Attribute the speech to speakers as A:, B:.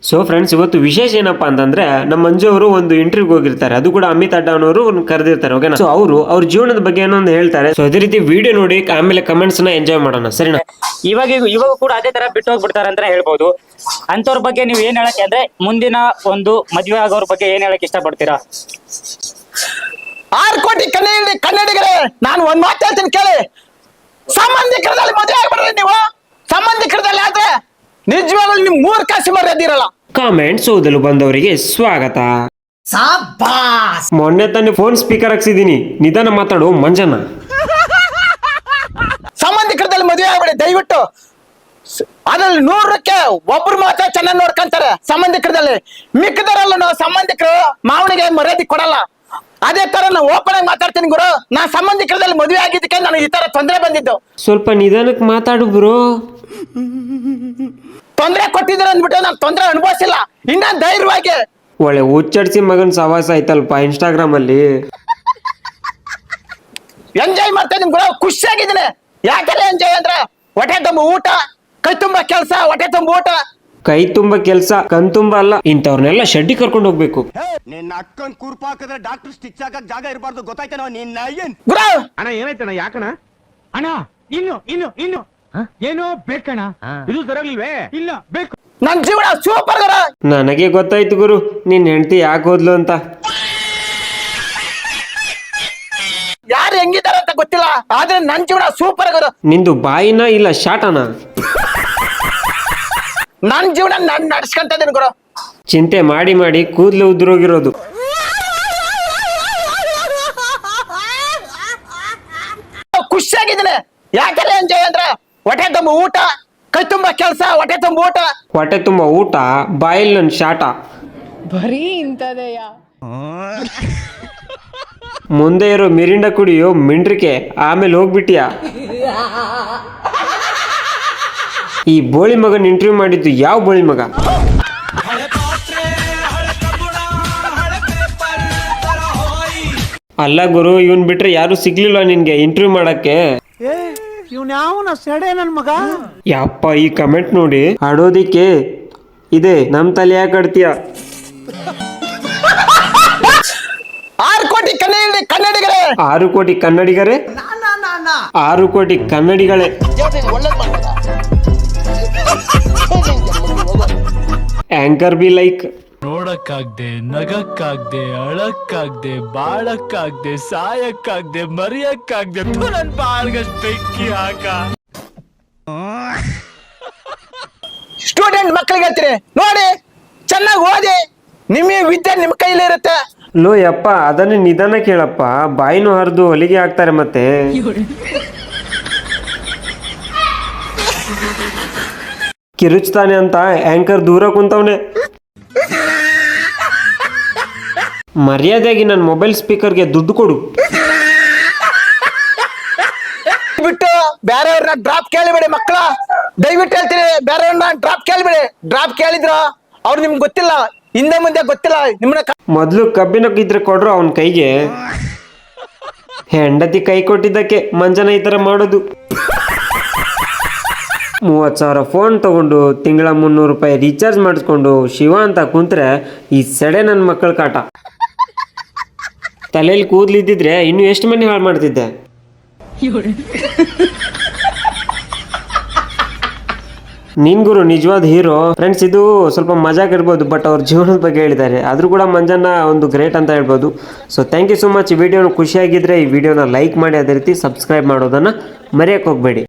A: So friends, ಇವತ್ತು ವಿಶೇಷ ಏನಪ್ಪಾ ಅಂತಂದ್ರೆ ನಮ್ಮ ಮಂಜು ಅವರು ಒಂದು ಇಂಟರ್ವ್ಯೂಗೆ ಹೋಗಿರ್ತಾರೆ. ಅದು ಕೂಡ ಅಮಿತ್ ಅಡ್ಡಾನವರು ಕರೆದಿರ್ತಾರೆ. ಓಕೆನಾ? ಸೊ ಅವರು ಅವ್ರ ಜೀವನದ ಬಗ್ಗೆ ಏನೋ ಒಂದು ಹೇಳ್ತಾರೆ. ಸೊ ಅದೇ ರೀತಿ ವಿಡಿಯೋ ನೋಡಿ ಆಮೇಲೆ ಕಮೆಂಟ್ಸ್ ನ ಎಂಜಾಯ್ ಮಾಡೋಣ. ಸರಿನಾ?
B: ಇವಾಗ ಕೂಡ ಅದೇ ತರ ಬಿಟ್ಟು ಹೋಗ್ಬಿಡ್ತಾರೆ ಅಂತ ಹೇಳ್ಬೋದು. ಅಂತವ್ರ ಬಗ್ಗೆ ನೀವು ಏನ್ ಹೇಳಕ್ಕೆ ಅಂದ್ರೆ ಮುಂದಿನ ಒಂದು ಮದ್ವೆ ಆಗೋರ್ ಬಗ್ಗೆ ಏನ್ ಹೇಳಕ್ ಇಷ್ಟಪಡ್ತೀರಾ?
C: 6 ಕೋಟಿ ಕನ್ನಡಿಗರೇ, ನಾನು ಒಂದ್ ಮಾತು ಹೇಳ್ತೀನಿ ಕೇಳಿ. ಸಂಬಂಧಿಕರದಲ್ಲಿ ಮದುವೆ ಆಗ್ಬಿಡ್ರಿ ನೀವು. ಸಂಬಂಧಿಕರದಲ್ಲಿ ಆದ್ರೆ ನಿಜವಾಗ್ಲೂ ನಿಮ್ 3 ಕಾಸು ಮರ್ಯಾದಿರಲ್ಲ.
A: ಕಾಮೆಂಟ್ಸ್ ಓದಲು ಬಂದವರಿಗೆ ಸ್ವಾಗತ. ಮೊನ್ನೆ ತಾನೇ ಫೋನ್ ಸ್ಪೀಕರ್ ಹಾಕ್ಸಿದೀನಿ, ನಿಧಾನ ಮಾತಾಡು ಮಂಜನ.
C: ಸಂಬಂಧಿಕರದಲ್ಲಿ ಮದುವೆ ಆಗ್ಬಿಡಿ ದಯವಿಟ್ಟು. ಅದ್ರಲ್ಲಿ 100ಕ್ಕೆ ಒಬ್ರು ಮಾತ್ರ ಚೆನ್ನಾಗಿ ನೋಡ್ಕೊಂತಾರೆ ಸಂಬಂಧಿಕರದಲ್ಲಿ. ಮಿಕ್ಕದರಲ್ಲೂ ನಾವು ಸಂಬಂಧಿಕರು ಮಾವನಿಗೆ ಮರ್ಯಾದೆ ಕೊಡಲ್ಲ. ಅದೇ ತರ ನಾವು ಓಪನ್ ಆಗಿ ಮಾತಾಡ್ತೀನಿ ಗುರು. ನಾ ಸಂಬಂಧಿಕರದಲ್ಲಿ ಮದುವೆ ಆಗಿದ್ದಕ್ಕೆ ನನಗೆ ಈ ತರ ತೊಂದರೆ ಬಂದಿದ್ದು.
A: ಸ್ವಲ್ಪ ನಿಧಾನಕ್ಕೆ ಮಾತಾಡು ಬ್ರೋ.
C: ತೊಂದರೆ ಕೊಟ್ಟಿದ್ರೆ ಅಂದ್ಬಿಟ್ಟು ನಾನು ತೊಂದರೆ ಅನುಭವಿಸಿಲ್ಲ. ಇನ್ನ ಧೈರ್ಯವಾಗಿ
A: ಒಳ್ಳೆ ಹುಚ್ಚಡ್ಸಿ ಮಗನ್ ಸವಾಸ ಆಯ್ತಲ್ಪ ಇನ್ಸ್ಟಾಗ್ರಾಮ್ ಅಲ್ಲಿ.
C: ಎಂಜಾಯ್ ಮಾಡ್ತಾ ಇದೀನಿ ಗುರು, ಖುಷಿಯಾಗಿದ್ದೀನಿ. ಯಾಕೆಲ್ಲ ಎಂಜಾಯ್ ಅಂದ್ರೆ ಹೊಟ್ಟೆ ತುಂಬ ಊಟ, ಕೈ ತುಂಬ ಕೆಲಸ, ಹೊಟ್ಟೆ ತುಂಬ ಊಟ.
A: ಕೈ ತುಂಬ ಕೆಲ್ಸ, ಕಣ್ ತುಂಬ ಅಲ್ಲ. ಇಂಥವ್ರನ್ನೆಲ್ಲ ಶೆಡ್ಡಿ ಕರ್ಕೊಂಡು ಹೋಗ್ಬೇಕು.
D: ನಿನ್ನ ಅಕ್ಕನ್ ಕೂರ್ಪ ಹಾಕಿದ್ರೆ ಡಾಕ್ಟರ್ ಸ್ಟಿಚ್ ಹಾಕಕ್ ಜಾಗ ಇರಬಾರ್ದು, ಗೊತ್ತಾಯ್ತೇನೋ ನಿನ್ನ ಏನ್
C: ಗುರು?
E: ಅಣ್ಣ ಏನಾಯ್ತಣ್ಣ? ಯಾಕಣ್ಣ? ಅಣ್ಣ ಇನ್ನು ಏನೋ ಬೇಕಣ್ಣ. ಇದು ಸರಿಯಾಗಿಲ್ವೇ? ಇಲ್ಲ ಬೇಕು.
C: ನನ್ ಜೀವನ ಸೂಪರ್ ಗುರು.
A: ನನಗೆ ಗೊತ್ತಾಯ್ತು ಗುರು, ನಿನ್ ಹೆಂಡತಿ ಯಾಕೆ ಹೋದ್ಲು ಅಂತ.
C: ಯಾರು ಹೆಂಗಿದಾರ ಅಂತ ಗೊತ್ತಿಲ್ಲ, ಆದ್ರೆ ನನ್ ಜೀವನ ಸೂಪರ್ ಗುರು.
A: ನಿಂದು ಬಾಯಿನ ಇಲ್ಲ ಶಾಟನ?
C: ನನ್ ಜೀವನ ನಾನ್ ನಡ್ಸ್ಕೊಂತ ಇದೀನಿ ಗುರು.
A: ಚಿಂತೆ ಮಾಡಿ ಮಾಡಿ ಕೂದಲು ಉದ್ರೋಗಿರೋದು.
C: ಖುಷಿಯಾಗಿದ್ದೀನಿ. ಯಾಕೆಲ್ಲ ಎಂಜಾಯ್ ಅಂದ್ರೆ ಹೊಟ್ಟೆ ತುಂಬ ಊಟ, ಕೈ ತುಂಬ ಕೆಲಸ, ಹೊಟ್ಟೆ ತುಂಬ ಊಟ.
A: ಹೊಟ್ಟೆ ತುಂಬ ಊಟ, ಬಾಯಿಲ್ ನನ್ ಶಾಟ.
F: ಬರೀ ಇಂಥದೆಯ.
A: ಮುಂದೆ ಇರೋ ಮಿರಿಂಡ ಕುಡಿಯೋ ಮಿಂಡ್ರಿಕೆ, ಆಮೇಲೆ ಹೋಗ್ಬಿಟ್ಟಿಯಾ. ಈ ಬೋಳಿ ಮಗನ್ ಇಂಟರ್ವ್ಯೂ ಮಾಡಿದ್ದು ಯಾವ ಬೋಳಿ ಮಗ? ಅಲ್ಲ ಗುರು, ಇವನ್ ಬಿಟ್ರೆ ಯಾರು ಸಿಗ್ಲಿಲ್ಲ ನಿನ್ಗೆ ಇಂಟರ್ವ್ಯೂ ಮಾಡಕ್ಕೆ? ಯಪ್ಪ, ಈ ಕಮೆಂಟ್ ನೋಡಿ ಆಡೋದಿಕ್ಕೆ ಇದೆ ನಮ್ ತಲೆ ಯಾಕೆ ಆಡ್ತೀಯ?
C: 6 ಕೋಟಿ ಕನ್ನಡಿಗರೇ.
A: 6 ಕೋಟಿ ಕನ್ನಡಿಗರೇ? 6 ಕೋಟಿ ಕನ್ನಡಿಗಳೇ. Anchor be like.
G: ನೋಡಕ್ಕಾಗ್ದೆ, ನಗಕ್ಕಾಗ್ದೆ, ಅಳಕ್ಕಾಗ್ದೆ, ಬಾಳಕ್ಕಾಗ್ದೆ, ಸಾಯಕ್ಕಾಗ್ದೆ, ಮರಿಯಕ್ಕಾಗ್ದೆ, ನನ್ ಬಾಳ್ಗಷ್ಟ್ ಬೆಂಕಿ ಹಾಕ.
C: ಸ್ಟೂಡೆಂಟ್ ಮಕ್ಕಳಿಗೆ ಹೇಳ್ತೀನಿ ನೋಡಿ, ಚೆನ್ನಾಗಿ ಓದಿ. ನಿಮ್ಮ ವಿದ್ಯೆ ನಿಮ್ಮ ಕೈಲಿ ಇರುತ್ತೆ.
A: ಲೋ ಯಪ್ಪ, ಅದನ್ನೇ ನಿಧಾನ ಕೇಳಪ್ಪ, ಬಾಯಿನೂ ಹರಿದು ಹೊಲಿಗೆ ಹಾಕ್ತಾರೆ ಮತ್ತೆ. ಕಿರುಚ್ತಾನೆ ಅಂತ ಆಂಕರ್ ದೂರ ಕುಂತವನೆ. ಮರ್ಯಾದೆಯಾಗಿ ನನ್ನ ಮೊಬೈಲ್ ಸ್ಪೀಕರ್ಗೆ ದುಡ್ಡು ಕೊಡು.
C: ಬಿಟ್ಟು ಬೇರೆಯವ್ರನ್ನ ಡ್ರಾಪ್ ಕೇಳಿಬೇಡಿ ಮಕ್ಕಳ, ದಯವಿಟ್ಟು ಹೇಳ್ತೀನಿ. ಬೇರೆಯವ್ರನ್ನ ಡ್ರಾಪ್ ಕೇಳಿಬೇಡಿ. ಡ್ರಾಪ್ ಕೇಳಿದ್ರ ಅವ್ರು ನಿಮ್ಗೆ ಗೊತ್ತಿಲ್ಲ, ಹಿಂದೆ ಮುಂದೆ ಗೊತ್ತಿಲ್ಲ ನಿಮ್ಮನ್ನ.
A: ಮೊದ್ಲು ಕಬ್ಬಿನ ಇದ್ರೆ ಕೊಡ್ರು ಅವನ ಕೈಗೆ. ಹೆಂಡತಿ ಕೈ ಕೊಟ್ಟಿದ್ದಕ್ಕೆ ಮಂಜನ ಈ ತರ ಮಾಡೋದು. 30,000 ಫೋನ್ ತಗೊಂಡು ತಿಂಗಳ 300 ರೂಪಾಯಿ ರೀಚಾರ್ಜ್ ಮಾಡಿಸ್ಕೊಂಡು ಶಿವ ಅಂತ ಕುಂತ್ರೆ ಈ ಸೆಡೆ ನನ್ನ ಮಕ್ಕಳ ಕಾಟ. ತಲೆಯಲ್ಲಿ ಕೂದಲಿದ್ದಿದ್ರೆ ಇನ್ನು ಎಷ್ಟು ಮನೆ ಹಾಳು ಮಾಡ್ತಿದ್ದೆ. ನೀನ್ ಗುರು ನಿಜವಾದ ಹೀರೋ. ಫ್ರೆಂಡ್ಸ್, ಇದು ಸ್ವಲ್ಪ ಮಜಾಕ್ ಇರ್ಬೋದು, ಬಟ್ ಅವ್ರ ಜೀವನದ ಬಗ್ಗೆ ಹೇಳಿದ್ದಾರೆ. ಆದ್ರೂ ಕೂಡ ಮಂಜನ್ನ ಒಂದು ಗ್ರೇಟ್ ಅಂತ ಹೇಳ್ಬೋದು. So thank you so much. ಈ ವಿಡಿಯೋನ ಖುಷಿಯಾಗಿದ್ರೆ ಈ ವಿಡಿಯೋನ ಲೈಕ್ ಮಾಡಿ, ಅದೇ ರೀತಿ ಸಬ್ಸ್ಕ್ರೈಬ್ ಮಾಡೋದನ್ನ ಮರೆಯಕ್ಕೆ ಹೋಗ್ಬೇಡಿ.